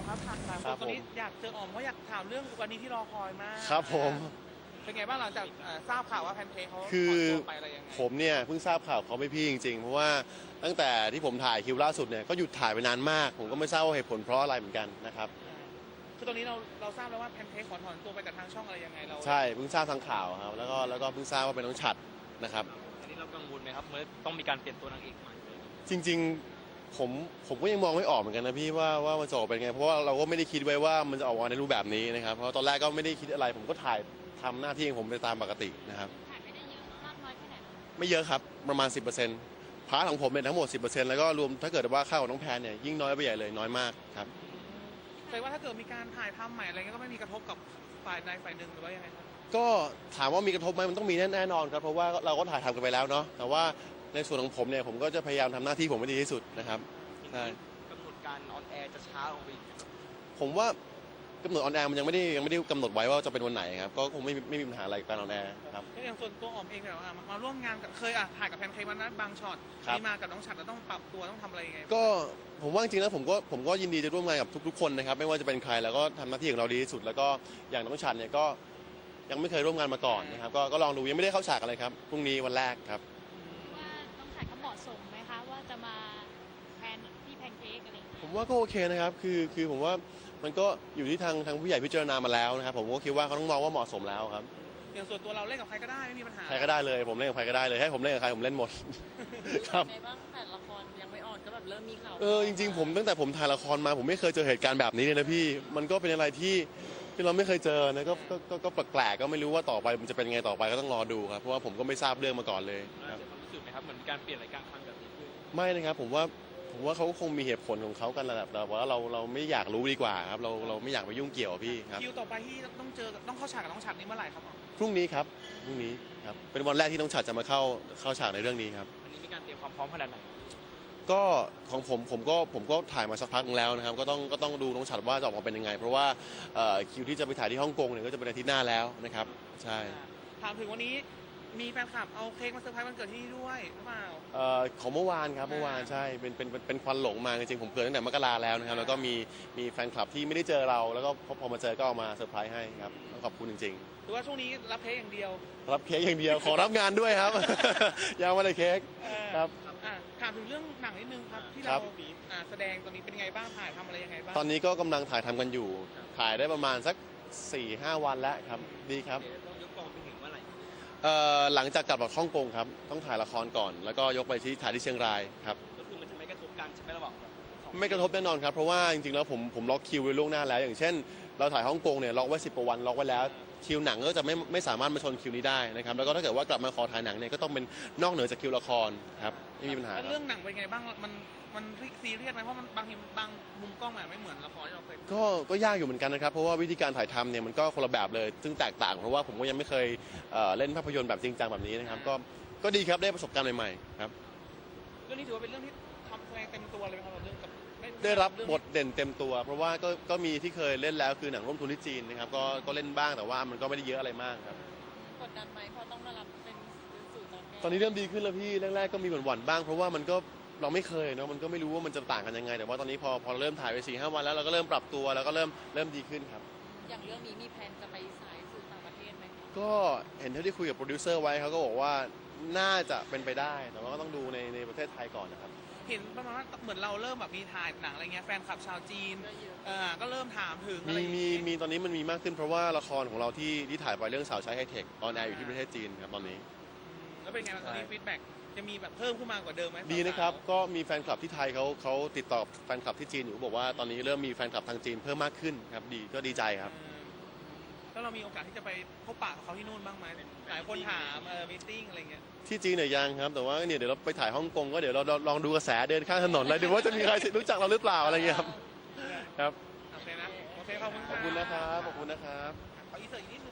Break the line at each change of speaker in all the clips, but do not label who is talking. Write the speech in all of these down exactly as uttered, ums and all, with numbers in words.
ครับถามหลายคนตอนนี้อยากเจออ๋อมเพราะอยากถามเรื่องวันนี้ที่รอคอยมาก
ครับผม
เป็นไงบ้างหลังจากทราบข่าวว่าแพนเค้กเขา
คือ
ถอนตัวไปอะไรยังไง
ผมเนี่ยเพิ่งทราบข่าวเขาไม่พี่จริงๆเพราะว่าตั้งแต่ที่ผมถ่ายคิวล่าสุดเนี่ยก็หยุดถ่ายไปนานมาก ผมก็ไม่ทราบว่าเหตุผลเพราะอะไรเหมือนกันนะครับ
คือตอนนี้เราเราทราบแล้วว่าแพนเค้กขอถอนตัวไปจากทางช่องอะไรยังไงเรา
ใช่เพิ่งทราบทางข่าวครับแล้วก็แล้วก็เพิ่งทราบว่าเป็นน้องฉัตรนะครับ
อันนี้เรากังวลไหมครับเมื่อต้องมีการเปลี่ยนตัวนางเอกใหม่
จริงๆผมผมก็ยังมองไม่ออกเหมือนกันนะพี่ว่าว่ามันจะออกเป็นไงเพราะว่าเราก็ไม่ได้คิดไว้ว่ามันจะออกมาในรูปแบบนี้นะครับเพราะตอนแรกก็ไม่ได้คิดอะไร ผมก็ถ่ายทำหน้าที่ของผมไปตามปกตินะครับ
ถ่ายไม่ได้เยอะมากน้อยแค่ไหน
ไม่เยอะครับประมาณ สิบเปอร์เซ็นต์ พาร์ทของผมเป็นทั้งหมด สิบเปอร์เซ็นต์ แล้วก็รวมถ้าเกิดว่าค่าของน้องแพนเนี่ยยิ่งน้อยไปใหญ่เลยน้อยมากครับ
แปลว่าถ้าเกิดมีการถ่ายทำใหม่อะไรเงี้ยก็ไม่มีกระทบกับฝ่ายใดฝ่ายหนึ่งหรือว่ายังไงครับ
ก็ถามว่ามีกระทบไหมมันต้องมีแน่นอนครับเพราะว่าเราก็ถ่ายทำกันไปแล้วเนาะแต่ว่าในส่วนของผมเนี่ยผมก็จะพยายามทำหน้าที่ผมให้ดีที่สุดนะครับใช่
กำหนดการออนแอร์จะช้าลงไปอีก
ผมว่ากำหนดออนแอร์มันยังไม่ได้ยังไม่ได้กำหนดไว้ว่าจะเป็นวันไหนครับก็คงไม่ไม่มีปัญหาอะไรกับการออนแอร์ครับ
อย่างส่วนตัวอ๋อมเองเนี่ยมาร่วมงานกับเคยอ่ะถ่ายกับแพนเค้กวันนั้นบางช็อตมีมากับน้องฉัตรแล้วต้องปรับตัวต้องทำอะไรยังไง
ก็ผมว่าจริงๆแล้วผมก็ผมก็ยินดีจะร่วมงานกับทุกๆคนนะครับไม่ว่าจะเป็นใครแล้วก็ทำหน้าที่ของเราดีที่สุดแล้วก็อย่างน้องฉัตรเนี่ยก็ยังไม่เคยร่วมงานมาก่อนนะครับก็ก็ลองดูยังไม่ได้เข้าฉากอะไรครับพรุ่งนี้วันแรกครับ
ว่าน้องฉัตรเขาเหมาะสมไหมคะว่าจะมาแทนที่แพนเค้กอะไรอย่างเงี้ย
ผมว่าก็โอเคนะครับคือคือผมว่ามันก็อยู่ที่ทางทางผู้ใหญ่พิจารณามาแล้วนะครับผมก็คิดว่าเขาต้องมองว่าเหมาะสมแล้วครับ
อย่างส่วนตัวเราเล่นกับใครก็ได้ไม่มีปัญหา
ใครก็ได้เลยผมเล่นกับใครก็ได้เลยให้ผมเล่นกับใครผมเล่นหมดครับ
ในบ้างแต่ละครยังไม่ออนก็แบบเริ่มมีข่าว
เออจริงๆผมตั้งแต่ผมถ่ายละครมาผมไม่เคยเจอเหตุการณ์แบบนี้เลยนะพี่มันก็เป็นอะไรที่ที่เราไม่เคยเจอนะก็ก็ก็แปลกๆก็ไม่รู้ว่าต่อไปมันจะเป็นไงต่อไปก็ต้องรอดูครับเพราะว่าผมก็ไม่ทราบเรื่องมาก่อนเลยครับ
รู้สึกไหมครับเหมือนการเปลี่ยนรายการทำแบบนี้ขึ้น
ไม่นะครับผมว่าผมว่าเขาคงมีเหตุผลของเขากันแหละแต่ว่าเราเราไม่อยากรู้ดีกว่าครับเราเราไม่อยากไปยุ่งเกี่ยวพี่ครับ
คิวต่อไปที่ต้องเจอต้องเข้าฉากกับน้องฉัตรนี่เมื่อไหร่ครับ
พรุ่งนี้ครับพรุ่งนี้ครับเป็นวันแรกที่น้องฉัตรจะมาเข้าเข้าฉากในเรื่องนี้ครับ
วันนี้มีการเตรียมความพร้อมขนาดไหน
ก็ของผมผมก็ผมก็ถ่ายมาสักพักนึงแล้วนะครับก็ต้องก็ต้องดูน้องฉัตรว่าจะออกมาเป็นยังไงเพราะว่าคิวที่จะไปถ่ายที่ฮ่องกงเนี่ยก็จะเป็นอาทิตย์หน้าแล้วนะครับใช่
ถามถึงวันนี้มีแฟนคลับเอาเค้กมาเซอร์ไพรส์วันเกิดที่นี่ด้วยหรือเปล่า
ของเมื่อวานครับเมื่อวานใช่เป็นเป็นเป็นควันหลงมาจริงๆผมเกิดตั้งแต่มกราแล้วนะครับแล้วก็มีมีแฟนคลับที่ไม่ได้เจอเราแล้วก็พอมาเจอก็เอามาเซอร์ไพรส์ให้ครับต้องขอบคุณจริง
ๆถือว่าช่วงนี้รับเค้กอย่างเดียว
รับเค้กอย่างเดียวขอรับงานด้วยครับยังไม่ได้เค้กครับ
ถามถึงเรื่องหนังนิดนึงครับที่เราแสดงตอนนี้เป็นไงบ้างถ่ายทำอะไรยังไงบ้าง
ตอนนี้ก็กำลังถ่ายทำกันอยู่ถ่ายได้ประมาณสัก สี่ห้า วันแล้วครับดีครับ
ต้องยกกองไปถึงเมื่อไหร่
หลังจากกลับจากฮ่องกงครับต้องถ่ายละครก่อนแล้วก็ยกไปที่ถ่ายที่เชียงรายครับ
ก็คือมันจะไม่กระทบกันใช่ไหมระหว่าง
ไม่กระทบแน่นอนครับเพราะว่าจริงๆแล้วผมผมล็อกคิวไว้ล่วงหน้าแล้วอย่างเช่นเราถ่ายฮ่องกงเนี่ยล็อกไว้สิบกว่าวันล็อกไว้แล้วคิวหนังก็จะไม่ไม่สามารถมาชนคิวนี้ได้นะครับแล้วก็ถ้าเกิดว่ากลับมาขอถ่ายหนังเนี่ยก็ต้องเป็นนอกเหนือจากคิวละครครับไม่มีปัญหา
เรื่องหนังเป็นไงบ้างมันมันซีเรียสไหมเพราะมันบางทีบางมุมกล้องไม่เหมือนละครที่เราเคย
ก็ก็ยากอยู่เหมือนกันนะครับเพราะว่าวิธีการถ่ายทำเนี่ยมันก็คนละแบบเลยซึ่งแตกต่างเพราะว่าผมก็ยังไม่เคยเล่นภาพยนตร์แบบจริงจังแบบนี้นะครับก็ก็ดีครับได้ประสบการณ์ใหม่ๆครับ
เรื่องนี้ถือว่าเป็นเรื่องที่ทำแสดงเต็มตัวเลยไหมครับเรื่องกับ
ได้รับบทเด่นเต็มตัวเพราะว่าก็ก็มีที่เคยเล่นแล้วคือหนังร่วมทุนที่จีนนะครับก็ก็เล่นบ้างแต่ว่ามันก็ไม่ได้เยอะอะไรมากครับ
กดดันไหมเพราะต้องมารับเป็นสื่อตอนนี้
ตอนนี้เริ่มดีขึ้นแล้วพี่แรกๆก็มีหวั่นๆบ้างเพราะว่ามันก็เราไม่เคยเนาะมันก็ไม่รู้ว่ามันจะต่างกันยังไงแต่ว่าตอนนี้พอพอเริ่มถ่ายไปสี่ห้าวันแล้วเราก็เริ่มปรับตัวแล้วก็เริ่มเริ่มดีขึ้นครับ
อย่างเรื่องนี้มีแผนจะไปสายสื่อต่างประเทศไหม
ก็เห็นเท่าที่คุยกับโปรดิวเซอร์ไว้เขาก็บอกว่าน่าจะเป็นไปได้แต่ว่าก็ต้องดูในในประเทศไทยก่อนนะครับ
เห็นประมาณว่าเหมือนเราเริ่มแบบมีถ่ายหนังอะไรเงี้ยแฟนคลับชาวจีนก็เริ่มถามถึง
มีมีมีตอนนี้มันมีมากขึ้นเพราะว่าละครของเราที่ที่ถ่ายไปเรื่องสาวใช้ไฮเทคออนแอร์อยู่ที่ประเทศจีนครับตอนนี้
แล้วเป็นไงตอนนี้ฟีดแบ็กจะมีแบบเพิ่มขึ้นมากว่าเดิมไหม
ดีนะครับก็มีแฟนคลับที่ไทยเขาเขาติดต่อแฟนคลับที่จีนอยู่บอกว่าตอนนี้เริ่มมีแฟนคลับทางจีนเพิ่มมากขึ้นครับดีก็ดีใจครับ
แล้วเรามีโอกาสที่จะไปพบปะกับเขาที่นู่นบ้างไหมหลายคนถามเออมีติ้งอะไรเงี้ย
ที่จีนเนี่ยยังครับแต่ว่าเนี่ยเดี๋ยวเราไปถ่ายฮ่องกงก็เดี๋ยวเราลองดูกระแสเดินข้างถนนเลยดูว่าจะมีใครรู้จักเราหรือเปล่าอะไรเงี้ยครับครับ
โอเคนะโอเคขอบคุณ
ขอบคุณนะครับขอบคุณนะครับ
ขออีเสิร์ตอีกนิดนึง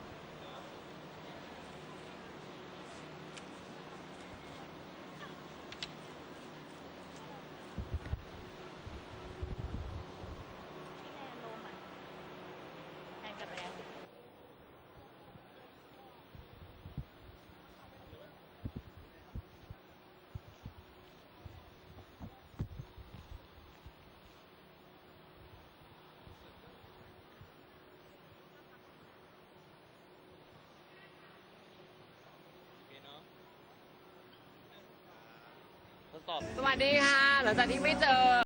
ทดสอบ
สวัสดีค่ะ หลังจากที่ไม่เจอ